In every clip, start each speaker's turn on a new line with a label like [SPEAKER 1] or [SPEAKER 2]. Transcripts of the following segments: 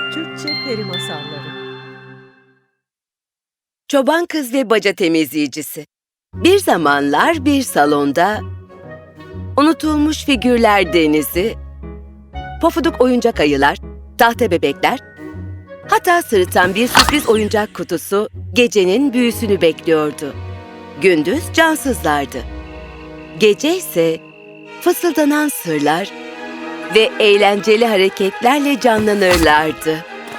[SPEAKER 1] Türkçe Peri Masalları.
[SPEAKER 2] Çoban Kız ve Baca Temizleyicisi. Bir zamanlar bir salonda unutulmuş figürler denizi, pofuduk oyuncak ayılar, tahta bebekler, hatta sırıtan bir sürpriz oyuncak kutusu gecenin büyüsünü bekliyordu. Gündüz cansızlardı. Gece ise fısıldanan sırlar ve eğlenceli hareketlerle canlanırlardı.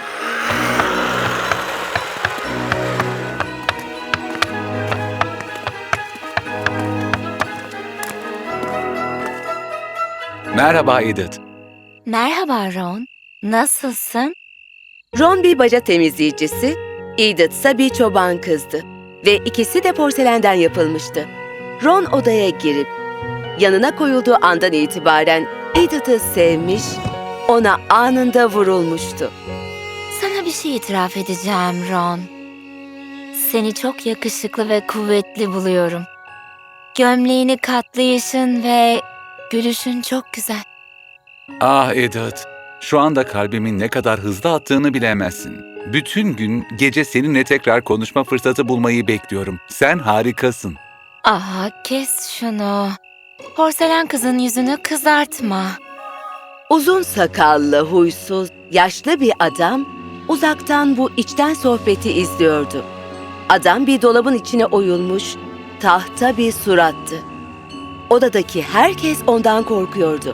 [SPEAKER 3] Merhaba Edith.
[SPEAKER 4] Merhaba Ron, nasılsın?
[SPEAKER 2] Ron bir baca temizleyicisi, Edith ise bir çoban kızdı ve ikisi de porselenden yapılmıştı. Ron odaya girip yanına koyulduğu andan itibaren Edith'ı sevmiş, ona anında vurulmuştu.
[SPEAKER 4] Sana bir şey itiraf edeceğim Ron. Seni çok yakışıklı ve kuvvetli buluyorum. Gömleğini katlayışın ve gülüşün çok güzel.
[SPEAKER 3] Ah Edith, şu anda kalbimin ne kadar hızlı attığını bilemezsin. Bütün gün gece seninle tekrar konuşma fırsatı bulmayı bekliyorum. Sen harikasın.
[SPEAKER 4] Aha, kes şunu. Porselen kızın yüzünü kızartma.
[SPEAKER 2] Uzun sakallı, huysuz, yaşlı bir adam uzaktan bu içten sohbeti izliyordu. Adam bir dolabın içine oyulmuş, tahta bir surattı. Odadaki herkes ondan korkuyordu.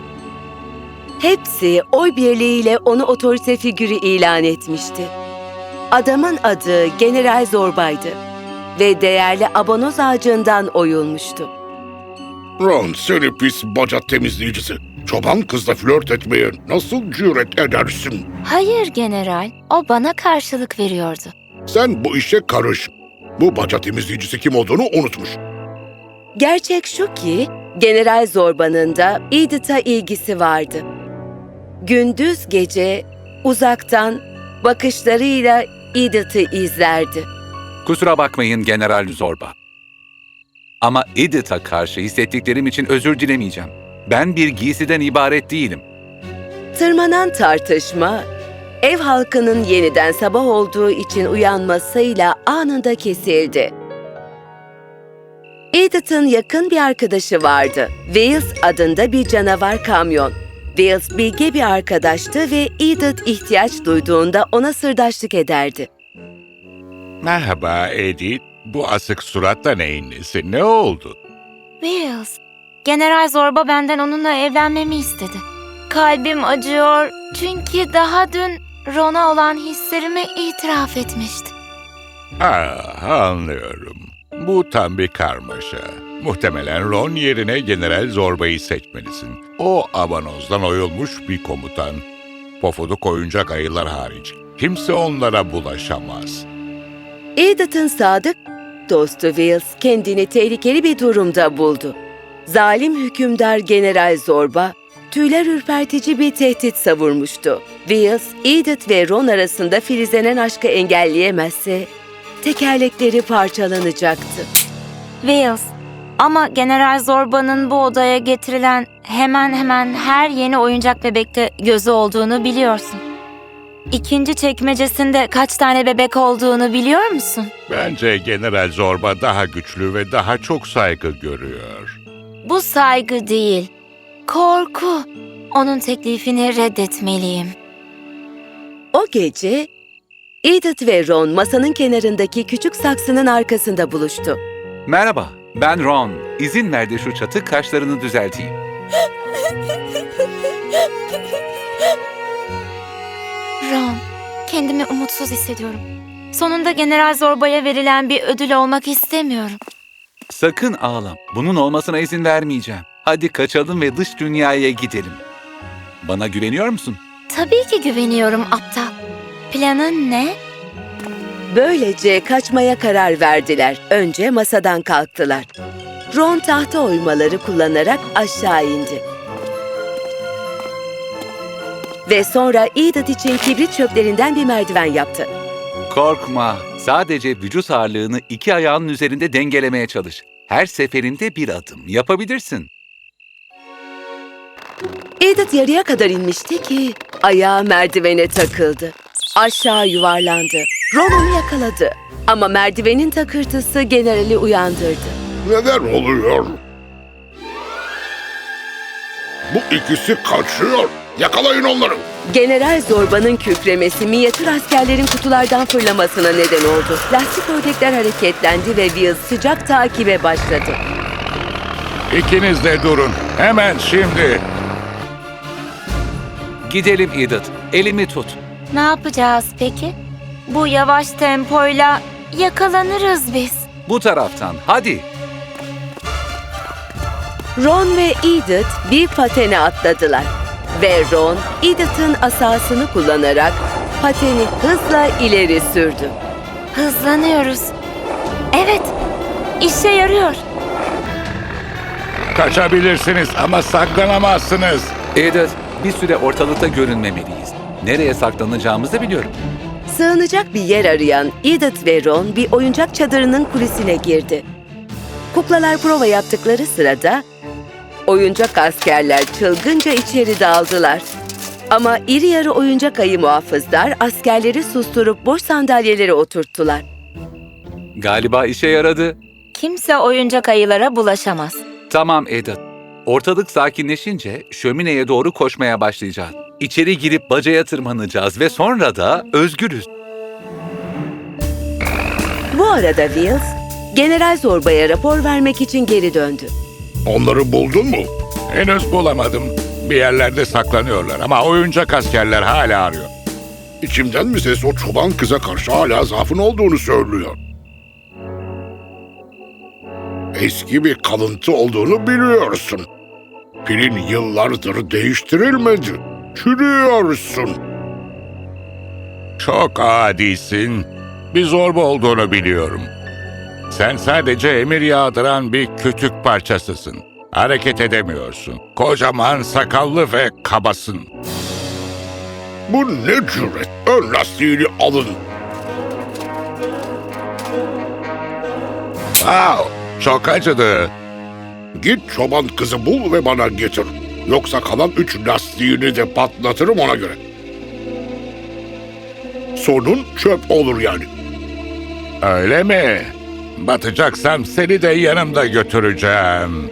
[SPEAKER 2] Hepsi oy birliğiyle onu otorite figürü ilan etmişti. Adamın adı General Zorba'ydı ve değerli abonoz ağacından oyulmuştu.
[SPEAKER 5] Ron, seni pis baca temizleyicisi. Çoban kızla flört etmeye nasıl cüret edersin?
[SPEAKER 4] Hayır general, o bana karşılık veriyordu.
[SPEAKER 5] Sen bu işe karış. Bu baca temizleyicisi kim olduğunu unutmuş.
[SPEAKER 2] Gerçek şu ki, General Zorba'nın da Edith'a ilgisi vardı. Gündüz gece uzaktan bakışlarıyla Edith'i izlerdi.
[SPEAKER 3] Kusura bakmayın General Zorba. Ama Edith'a karşı hissettiklerim için özür dilemeyeceğim. Ben bir giysiden ibaret değilim.
[SPEAKER 2] Tırmanan tartışma, ev halkının yeniden sabah olduğu için uyanmasıyla anında kesildi. Edith'in yakın bir arkadaşı vardı. Wales adında bir canavar kamyon. Wales bilge bir arkadaştı ve Edith ihtiyaç duyduğunda ona sırdaşlık ederdi.
[SPEAKER 6] Merhaba Edith. Bu asık suratla neyin nesi? Ne oldu?
[SPEAKER 4] Wills, General Zorba benden onunla evlenmemi istedi. Kalbim acıyor çünkü daha dün Ron'a olan hislerimi itiraf etmişti.
[SPEAKER 6] Anlıyorum. Bu tam bir karmaşa. Muhtemelen Ron yerine General Zorba'yı seçmelisin. O abanozdan oyulmuş bir komutan. Pofuduk oyuncak ayılar hariç. Kimse onlara bulaşamaz.
[SPEAKER 2] Edith'in sadık dostu Wales kendini tehlikeli bir durumda buldu. Zalim hükümdar General Zorba, tüyler ürpertici bir tehdit savurmuştu. Wales, Edith ve Ron arasında filizlenen aşkı engelleyemezse tekerlekleri parçalanacaktı.
[SPEAKER 4] Wills, ama General Zorba'nın bu odaya getirilen hemen hemen her yeni oyuncak bebekte gözü olduğunu biliyorsun. İkinci çekmecesinde kaç tane bebek olduğunu biliyor musun?
[SPEAKER 6] Bence General Zorba daha güçlü ve daha çok saygı görüyor.
[SPEAKER 4] Bu saygı değil, korku. Onun teklifini reddetmeliyim.
[SPEAKER 2] O gece Edith ve Ron masanın kenarındaki küçük saksının arkasında buluştu.
[SPEAKER 3] Merhaba, ben Ron. İzin ver de şu çatık kaşlarını düzelteyim.
[SPEAKER 4] Ron, kendimi umutsuz hissediyorum. Sonunda General Zorba'ya verilen bir ödül olmak istemiyorum.
[SPEAKER 3] Sakın ağlama. Bunun olmasına izin vermeyeceğim. Hadi kaçalım ve dış dünyaya gidelim. Bana güveniyor musun?
[SPEAKER 4] Tabii ki güveniyorum aptal. Planın ne?
[SPEAKER 2] Böylece kaçmaya karar verdiler. Önce masadan kalktılar. Ron tahta oymaları kullanarak aşağı indi. Ve sonra Edith için kibrit çöplerinden bir merdiven yaptı.
[SPEAKER 3] Korkma. Sadece vücut ağırlığını iki ayağının üzerinde dengelemeye çalış. Her seferinde bir adım yapabilirsin.
[SPEAKER 2] Edith yarıya kadar inmişti ki ayağı merdivene takıldı. aşağı yuvarlandı. Ron onu yakaladı ama merdivenin takırtısı generali uyandırdı.
[SPEAKER 5] Neler oluyor? Bu ikisi kaçıyor. Yakalayın onları.
[SPEAKER 2] General Zorba'nın kükremesi minyatür askerlerin kutulardan fırlamasına neden oldu. Lastik ördekler hareketlendi ve Will sıcak takibe başladı.
[SPEAKER 6] İkiniz de durun. Hemen şimdi.
[SPEAKER 3] Gidelim Edith. Elimi tut.
[SPEAKER 4] Ne yapacağız peki? Bu yavaş tempoyla yakalanırız biz.
[SPEAKER 3] Bu taraftan. Hadi.
[SPEAKER 2] Ron ve Edith bir patene atladılar. Ve Ron, Edith'in asasını kullanarak pateni hızla ileri sürdü.
[SPEAKER 4] Hızlanıyoruz. Evet, işe yarıyor.
[SPEAKER 6] Kaçabilirsiniz ama saklanamazsınız.
[SPEAKER 3] Edith, bir süre ortalıkta görünmemeliyiz. Nereye saklanacağımızı biliyorum.
[SPEAKER 2] Sığınacak bir yer arayan Edith ve Ron bir oyuncak çadırının kulisine girdi. Kuklalar prova yaptıkları sırada oyuncak askerler çılgınca içeri daldılar. Ama iri yarı oyuncak ayı muhafızlar askerleri susturup boş sandalyelere oturttular.
[SPEAKER 3] Galiba işe yaradı.
[SPEAKER 4] Kimse oyuncak ayılara bulaşamaz.
[SPEAKER 3] Tamam Edith. Ortalık sakinleşince şömineye doğru koşmaya başlayacağız. İçeri girip bacaya tırmanacağız ve sonra da özgürüz.
[SPEAKER 2] Bu arada Wills, General Zorba'ya rapor vermek için geri döndü.
[SPEAKER 5] Onları buldun mu?
[SPEAKER 6] Henüz bulamadım. Bir yerlerde saklanıyorlar ama oyuncak askerler hala arıyor.
[SPEAKER 5] İçimden bir ses o çoban kıza karşı hala zaafın olduğunu söylüyor. Eski bir kalıntı olduğunu biliyorsun. Pilin yıllardır değiştirilmedi. Çürüyorsun.
[SPEAKER 6] Çok adisin. Bir zorba olduğunu biliyorum. Sen sadece emir yağdıran bir kütük parçasısın. Hareket edemiyorsun. Kocaman, sakallı ve kabasın.
[SPEAKER 5] Bu ne cüret? Ön lastiğini alın.
[SPEAKER 6] Wow, çok acıdı.
[SPEAKER 5] Git çoban kızı bul ve bana getir. Yoksa kalan 3 lastiğini de patlatırım ona göre. Sonun çöp olur yani.
[SPEAKER 6] Öyle mi? Batacaksam seni de yanımda götüreceğim.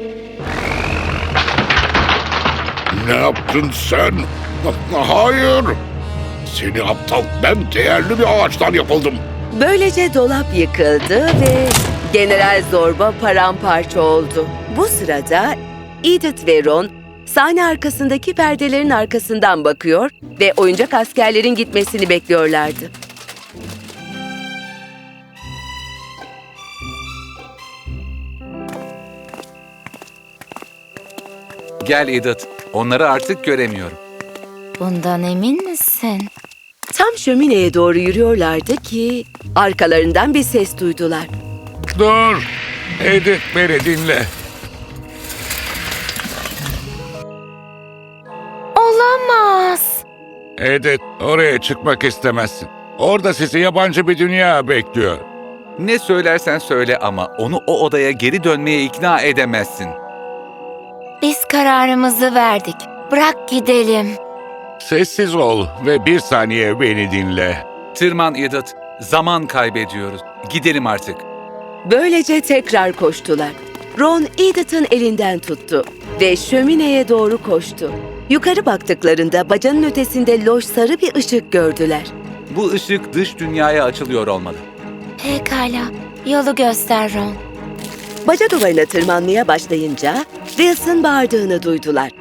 [SPEAKER 5] Ne yaptın sen? Hayır. Seni aptal, ben değerli bir ağaçtan yapıldım.
[SPEAKER 2] Böylece dolap yıkıldı ve General Zorba paramparça oldu. Bu sırada Edith ve Ron sahne arkasındaki perdelerin arkasından bakıyor ve oyuncak askerlerin gitmesini bekliyorlardı.
[SPEAKER 3] Gel Edith. Onları artık göremiyorum.
[SPEAKER 4] Bundan emin misin?
[SPEAKER 2] Tam şömineye doğru yürüyorlardı ki arkalarından bir ses duydular.
[SPEAKER 6] Dur, Edith beni dinle.
[SPEAKER 4] Olamaz.
[SPEAKER 6] Edith, oraya çıkmak istemezsin. Orada sizi yabancı bir dünya bekliyor.
[SPEAKER 3] Ne söylersen söyle ama onu o odaya geri dönmeye ikna edemezsin.
[SPEAKER 4] Biz kararımızı verdik. Bırak gidelim.
[SPEAKER 6] Sessiz ol ve bir saniye beni dinle.
[SPEAKER 3] Tırman Edith. Zaman kaybediyoruz. Gidelim artık.
[SPEAKER 2] Böylece tekrar koştular. Ron Edith'in elinden tuttu ve şömineye doğru koştu. Yukarı baktıklarında bacanın ötesinde loş sarı bir ışık gördüler.
[SPEAKER 3] Bu ışık dış dünyaya açılıyor olmalı.
[SPEAKER 4] Pekala. Yolu göster Ron.
[SPEAKER 2] Baca duvarına tırmanmaya başlayınca Wilson bağırdığını duydular.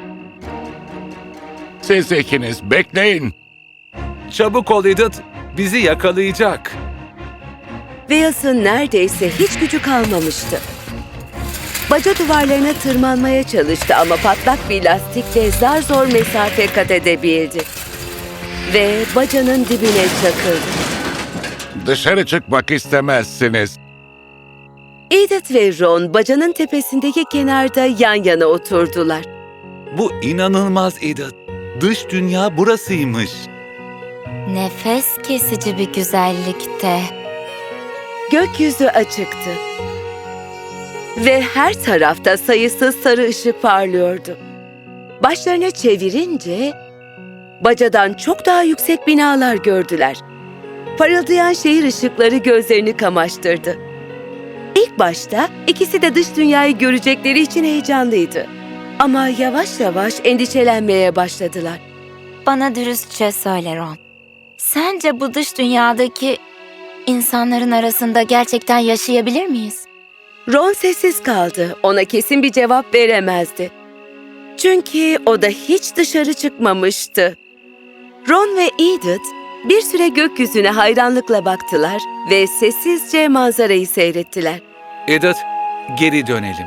[SPEAKER 6] Siz ikiniz bekleyin.
[SPEAKER 3] Çabuk ol Edith. Bizi yakalayacak.
[SPEAKER 2] Wilson neredeyse hiç gücü kalmamıştı. Baca duvarlarına tırmanmaya çalıştı ama patlak bir lastikle zar zor mesafe kat edebildi. Ve bacanın dibine çakıldı.
[SPEAKER 6] Dışarı çıkmak istemezsiniz.
[SPEAKER 2] Edith ve Ron bacanın tepesindeki kenarda yan yana oturdular.
[SPEAKER 3] Bu inanılmaz Edith. Dış dünya burasıymış.
[SPEAKER 4] Nefes kesici bir güzellikte.
[SPEAKER 2] Gökyüzü açıktı. Ve her tarafta sayısız sarı ışık parlıyordu. Başlarını çevirince bacadan çok daha yüksek binalar gördüler. Parıldayan şehir ışıkları gözlerini kamaştırdı. İlk başta ikisi de dış dünyayı görecekleri için heyecanlıydı. Ama yavaş yavaş endişelenmeye başladılar.
[SPEAKER 4] Bana dürüstçe söyle Ron. Sence bu dış dünyadaki insanların arasında gerçekten yaşayabilir miyiz?
[SPEAKER 2] Ron sessiz kaldı. Ona kesin bir cevap veremezdi. Çünkü o da hiç dışarı çıkmamıştı. Ron ve Edith bir süre gökyüzüne hayranlıkla baktılar ve sessizce manzarayı seyrettiler.
[SPEAKER 3] Edith, geri dönelim.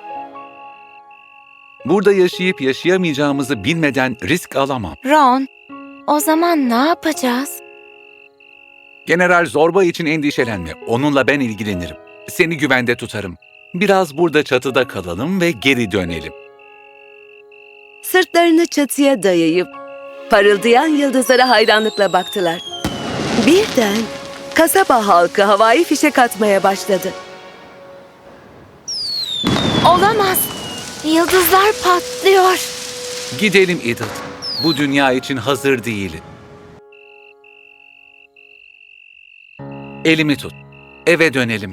[SPEAKER 3] Burada yaşayıp yaşayamayacağımızı bilmeden risk alamam.
[SPEAKER 4] Ron, o zaman ne yapacağız?
[SPEAKER 3] General Zorba için endişelenme. Onunla ben ilgilenirim. Seni güvende tutarım. Biraz burada çatıda kalalım ve geri dönelim.
[SPEAKER 2] Sırtlarını çatıya dayayıp parıldayan yıldızlara hayranlıkla baktılar. Birden kasaba halkı havai fişek atmaya başladı.
[SPEAKER 4] Olamaz. Yıldızlar patlıyor.
[SPEAKER 3] Gidelim Edith. Bu dünya için hazır değilim. Elimi tut. Eve dönelim.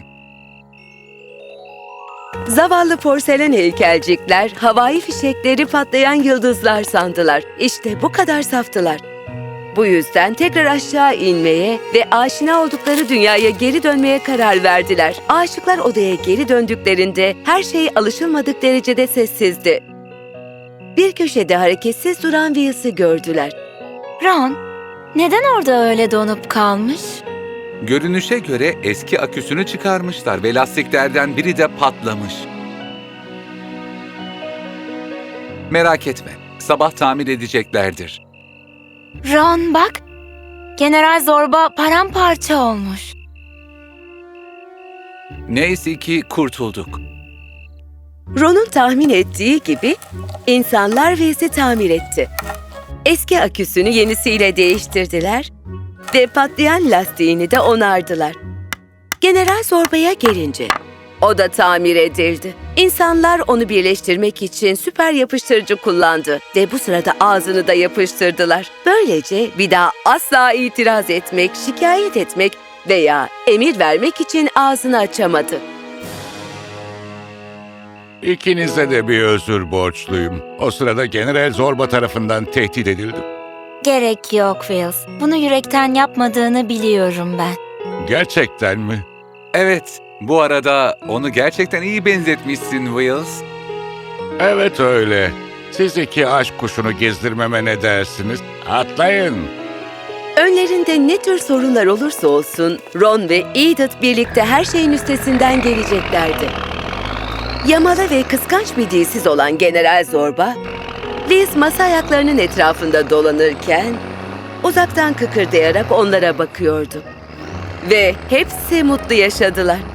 [SPEAKER 2] Zavallı porselen heykelcikler havai fişekleri patlayan yıldızlar sandılar. İşte bu kadar saftılar. Bu yüzden tekrar aşağı inmeye ve aşina oldukları dünyaya geri dönmeye karar verdiler. Aşıklar odaya geri döndüklerinde her şey alışılmadık derecede sessizdi. Bir köşede hareketsiz duran Wills'ı gördüler.
[SPEAKER 4] Ron, neden orada öyle donup kalmış?
[SPEAKER 3] Görünüşe göre eski aküsünü çıkarmışlar ve lastiklerden biri de patlamış. Merak etme, sabah tamir edeceklerdir.
[SPEAKER 4] Ron bak, General Zorba paramparça olmuş.
[SPEAKER 3] Neyse ki kurtulduk.
[SPEAKER 2] Ron'un tahmin ettiği gibi insanlar Wills'i tamir etti. Eski aküsünü yenisiyle değiştirdiler ve patlayan lastiğini de onardılar. General Zorba'ya gelince o da tamir edildi. İnsanlar onu birleştirmek için süper yapıştırıcı kullandı ve bu sırada ağzını da yapıştırdılar. Böylece bir daha asla itiraz etmek, şikayet etmek veya emir vermek için ağzını açamadı.
[SPEAKER 6] İkinize de bir özür borçluyum. O sırada General Zorba tarafından tehdit edildim.
[SPEAKER 4] Gerek yok Wills. Bunu yürekten yapmadığını biliyorum ben.
[SPEAKER 6] Gerçekten mi?
[SPEAKER 3] Evet, bu arada onu gerçekten iyi benzetmişsin Wills.
[SPEAKER 6] Evet öyle. Siz iki aşk kuşunu gezdirmeme ne dersiniz? Atlayın.
[SPEAKER 2] Önlerinde ne tür sorunlar olursa olsun Ron ve Edith birlikte her şeyin üstesinden geleceklerdi. Yamalı ve kıskanç bir dilsiz olan General Zorba, Liz masa ayaklarının etrafında dolanırken uzaktan kıkırdayarak onlara bakıyordu. Ve hepsi mutlu yaşadılar.